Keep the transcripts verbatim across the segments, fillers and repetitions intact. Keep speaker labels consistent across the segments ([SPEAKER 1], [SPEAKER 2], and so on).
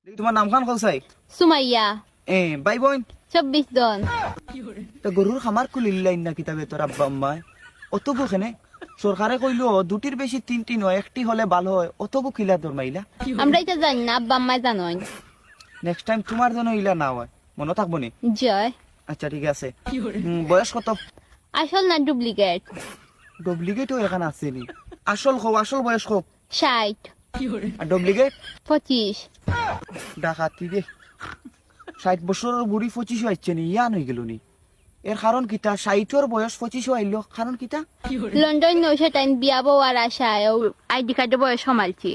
[SPEAKER 1] তোমার নাম খান কলসাই?
[SPEAKER 2] সুমাইয়া।
[SPEAKER 1] এ ভাই বোন
[SPEAKER 2] চব্বিশ জন।
[SPEAKER 1] তা গরুর খামার খুলিলাই না কিতাবে তোর আব্বা আম্মায় অতবু কেনে সরকারে কইলো দুটির বেশি তিনটি নয় একটি হলে ভালো হয় অতবু কিলা তোর মাইলা
[SPEAKER 2] আমরা এটা জানি না, আব্বা আম্মাই জানোই।
[SPEAKER 1] নেক্সট টাইম তোমার জন্য ইলা না হয় মনে থাকবো নি?
[SPEAKER 2] জয়।
[SPEAKER 1] আচ্ছা ঠিক আছে। হুম, বয়স কত?
[SPEAKER 2] আসল না ডুপ্লিকেট?
[SPEAKER 1] ডুপ্লিকেটও এখানে আছে নি। আসল খো আসল বয়স খো?
[SPEAKER 2] ষাট।
[SPEAKER 1] আর ডুপ্লিকেট?
[SPEAKER 2] পঁচিশ।
[SPEAKER 1] ডাকাতি রে ষাট বছরের বুড়ি পঁচিশ হচ্ছে নি ইয়ান হয়ে গেল নি। এর কারণ কিতা? ষাটর বয়স পঁচিশ আইলো কারণ কিতা?
[SPEAKER 2] লন্ডন নৌশো টাইম বিয়া বউ আর আশায় আইডি কার্ডে বয়স সমালছি।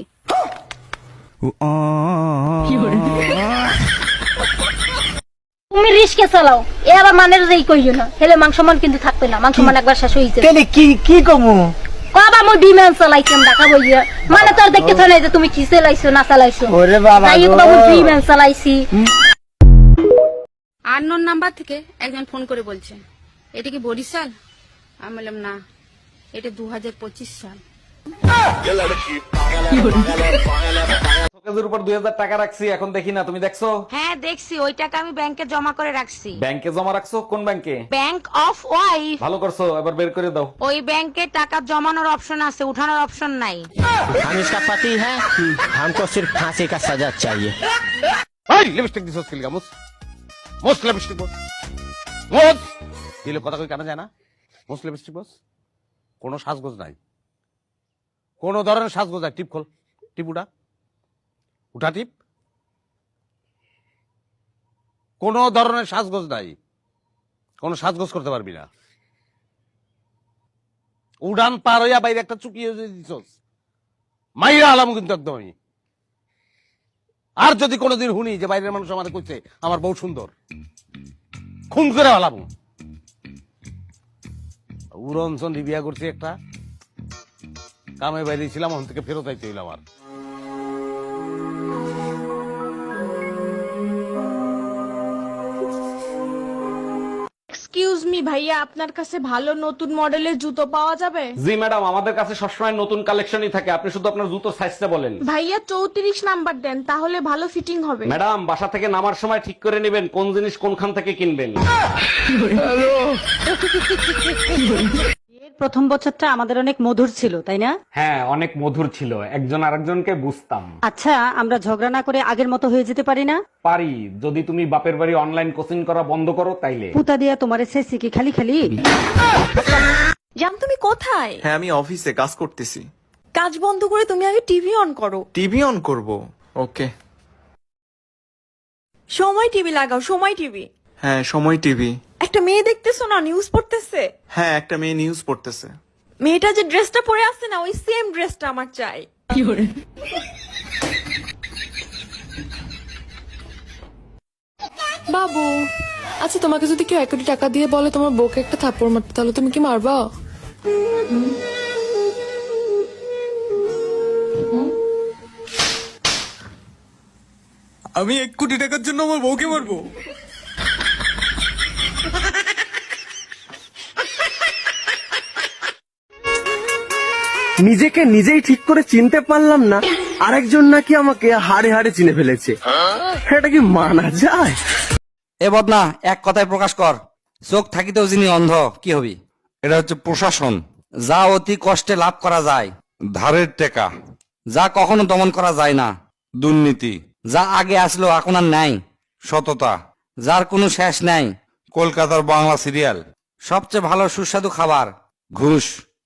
[SPEAKER 3] তুমি রিস্কে চালাও এ আবার মানের যেই কইও না হেলে মাংস মান কিন্তু থাকবে না, মাংস মান একবার শেষ হইছে।
[SPEAKER 1] কেন কি কি কমু?
[SPEAKER 3] কবা মই বিমান চালাইতাম ঢাকা বইয়া মানে তোর দেখতে থনে যে তুমি কি চালাইছো না চালাইছো।
[SPEAKER 1] ওরে বাবা
[SPEAKER 3] তাই কবা মই বিমান চালাইছি।
[SPEAKER 4] আননোন নাম্বার থেকে একজন ফোন করে বলছে এটা কি বরিশাল? আমি বললাম না, এটা দু হাজার পঁচিশ সাল।
[SPEAKER 5] শোকেজের উপর দুই হাজার টাকা রাখছি, এখন দেখি না, তুমি দেখছো?
[SPEAKER 4] হ্যাঁ দেখছি, ওই টাকা আমি ব্যাংকে জমা করে রাখছি।
[SPEAKER 5] ব্যাংকে জমা রাখছো? কোন ব্যাংকে?
[SPEAKER 4] Bank of wife.
[SPEAKER 5] ভালো করছো, এবার বের করে দাও।
[SPEAKER 4] ওই ব্যাংকে টাকা জমানোর অপশন আছে, উঠানোর অপশন নাই।
[SPEAKER 6] हम इसका पति है, हमको सिर्फ फांसी का सजा चाहिए।
[SPEAKER 5] এই লিপস্টিক দিছস কি লাগা? মুস মুস লিপস্টিক বস মুস দিলে কথা কই কানা যায় না? মুস লিপস্টিক বস। কোনো সাজগোজ নাই, কোনো ধরনের সাজগোজ নাই। টিপ খোল, টিপ উঠা, উঠা টিপ। কোনো ধরনের সাজগোজ নাই, কোনো সাজগোজ করতে পারবি না। উড়ান পার হইয়া বাইরে একটা চুকিয়ে দিছস, মাইরা আলাম কিন্তু একদম আমি। আর যদি কোনোদিন শুনি যে বাইরের মানুষ আমাদের কইছে আমার বউ সুন্দর, খুন করে আলাম। উড়নচন বিয়া করছি একটা, কামে বাইরে ছিলাম, ওখান থেকে ফেরত আইতে হইল আমার।
[SPEAKER 7] এক্সকিউজ মি ভাইয়া, আপনার কাছে ভালো নতুন মডেলের জুতো পাওয়া যাবে?
[SPEAKER 5] জি ম্যাডাম, আমাদের কাছে সবসময় নতুন কালেকশনই থাকে, আপনি শুধু আপনার জুতো সাইজটা বলেন।
[SPEAKER 7] ভাইয়া চৌত্রিশ নাম্বার দেন, তাহলে ভালো ফিটিং হবে।
[SPEAKER 5] ম্যাডাম, বাসা থেকে নামার সময় ঠিক করে নেবেন কোন জিনিস কোনখান থেকে কিনবেন।
[SPEAKER 8] প্রথম বছরটা আমাদের অনেক মধুর ছিল, তাই না?
[SPEAKER 5] হ্যাঁ, অনেক মধুর ছিল, একজন আরেকজনকে বুঝতাম।
[SPEAKER 8] আচ্ছা, আমরা ঝগড়া না করে আগের মতো হয়ে যেতে পারি না?
[SPEAKER 5] পারি, যদি তুমি বাপের বাড়ি অনলাইন কোচিং করা বন্ধ করো তাইলে।
[SPEAKER 8] পুতা দিয়া তোমার এসেছি কি খালি খালি?
[SPEAKER 7] জান তুমি কোথায়?
[SPEAKER 9] হ্যাঁ, আমি অফিসে কাজ করতেছি।
[SPEAKER 7] কাজ বন্ধ করে তুমি আগে টিভি অন করো।
[SPEAKER 9] টিভি অন করব? ওকে।
[SPEAKER 7] সময় টিভি লাগাও, সময় টিভি।
[SPEAKER 9] হ্যাঁ, সময় টিভি।
[SPEAKER 7] একটা মেয়ে দেখতেছো না, নিউজ পড়তেছে।
[SPEAKER 9] হ্যাঁ, একটা মেয়ে নিউজ পড়তেছে।
[SPEAKER 7] মেয়েটা যে ড্রেসটা পরে আছে না, ওই সেম ড্রেসটা আমার চাই।
[SPEAKER 10] বাবু, আচ্ছা তোমাকে যদি কেউ এক কোটি টাকা দিয়ে বলে তোমার বউকে একটা থাপ্পড় মারতে, তাহলে তুমি কি মারবা?
[SPEAKER 9] আমি এক কোটি টাকার জন্য আমার বউকে মারবো?
[SPEAKER 6] নিজেকে নিজেই ঠিক করে চিনতে পারলাম না, আরেকজন নাকি আমাকে হাড়ে হাড়ে চিনে ফেলেছে। এটা কি মানা যায়?
[SPEAKER 11] এ বদনা, এক কথায় প্রকাশ কর, চোখ থাকিতেও যিনি অন্ধ, কি হবি?
[SPEAKER 5] এটা হচ্ছে প্রশাসন।
[SPEAKER 11] যা অতি কষ্টে লাভ করা যায়,
[SPEAKER 5] ধারের টাকা।
[SPEAKER 11] যা কখনো দমন করা যায় না,
[SPEAKER 5] দুর্নীতি।
[SPEAKER 11] যা আগে আসলো এখন আর নাই,
[SPEAKER 5] সততা।
[SPEAKER 11] যার কোনো শেষ নাই,
[SPEAKER 5] কলকাতার বাংলা সিরিয়াল।
[SPEAKER 11] সবচেয়ে ভালো সুস্বাদু খাবার,
[SPEAKER 5] ঘুষ।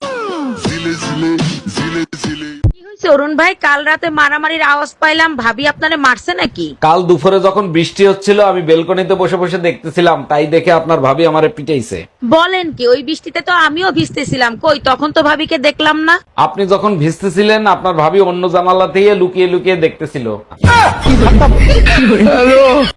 [SPEAKER 4] কি হয়েছে অরুণ ভাই? কাল রাতে মারামারির আওয়াজ পাইলাম, ভাবি আপনারে মারছে নাকি?
[SPEAKER 5] কাল দুপুরে যখন বৃষ্টি হচ্ছিল, আমি বেলকনিতে বসে বসে দেখতেছিলাম, তাই দেখে আপনার ভাবি আমারে পিটাইছে।
[SPEAKER 4] বলেন কি? ওই বৃষ্টিতে তো আমিও ভিজতেছিলাম, কই তখন তো ভাবিকে দেখলাম না।
[SPEAKER 5] আপনি যখন ভিজতেছিলেন, আপনার ভাবি অন্য জানালা দিয়ে লুকিয়ে লুকিয়ে দেখতেছিল।